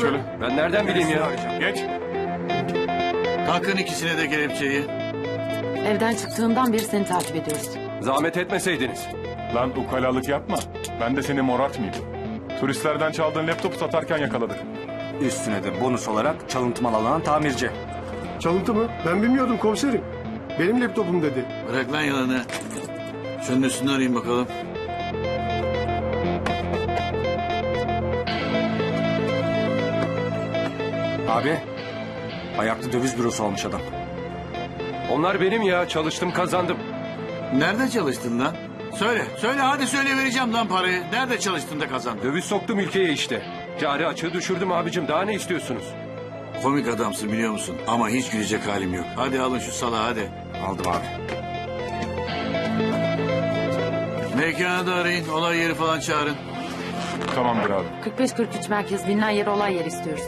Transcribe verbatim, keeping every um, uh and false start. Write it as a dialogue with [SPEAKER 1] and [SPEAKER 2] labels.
[SPEAKER 1] şöyle.
[SPEAKER 2] Ben nereden bileyim ya?
[SPEAKER 1] Geç.
[SPEAKER 3] Takın ikisine de kelepçeyi.
[SPEAKER 4] Evden çıktığından beri seni takip ediyoruz.
[SPEAKER 2] Zahmet etmeseydiniz.
[SPEAKER 1] Lan ukalalık yapma. Ben de seni morartmayayım. Turistlerden çaldığın laptopu satarken yakaladık.
[SPEAKER 5] Üstüne de bonus olarak çalıntı mal alan tamirci.
[SPEAKER 6] Çalıntı mı? Ben bilmiyordum komiserim. Benim laptopum dedi.
[SPEAKER 3] Bırak lan yalanı. Şunun üstünü arayayım bakalım.
[SPEAKER 5] Abi, ayaklı döviz bürosu olmuş adam.
[SPEAKER 2] Onlar benim ya. Çalıştım kazandım.
[SPEAKER 3] Nerede çalıştın lan? Söyle, söyle hadi söyle vereceğim lan parayı. Nerede çalıştın da kazandın?
[SPEAKER 2] Döviz soktum ülkeye işte. Cari açığı düşürdüm abicim. Daha ne istiyorsunuz?
[SPEAKER 3] Komik adamsın biliyor musun? Ama hiç gülecek halim yok. Hadi alın şu salağı hadi.
[SPEAKER 5] Aldım abi.
[SPEAKER 3] Mekanı da arayın. Olay yeri falan çağırın.
[SPEAKER 1] Tamamdır abi.
[SPEAKER 4] kırk beş kırk üç merkez bilinen yer olay yeri istiyoruz.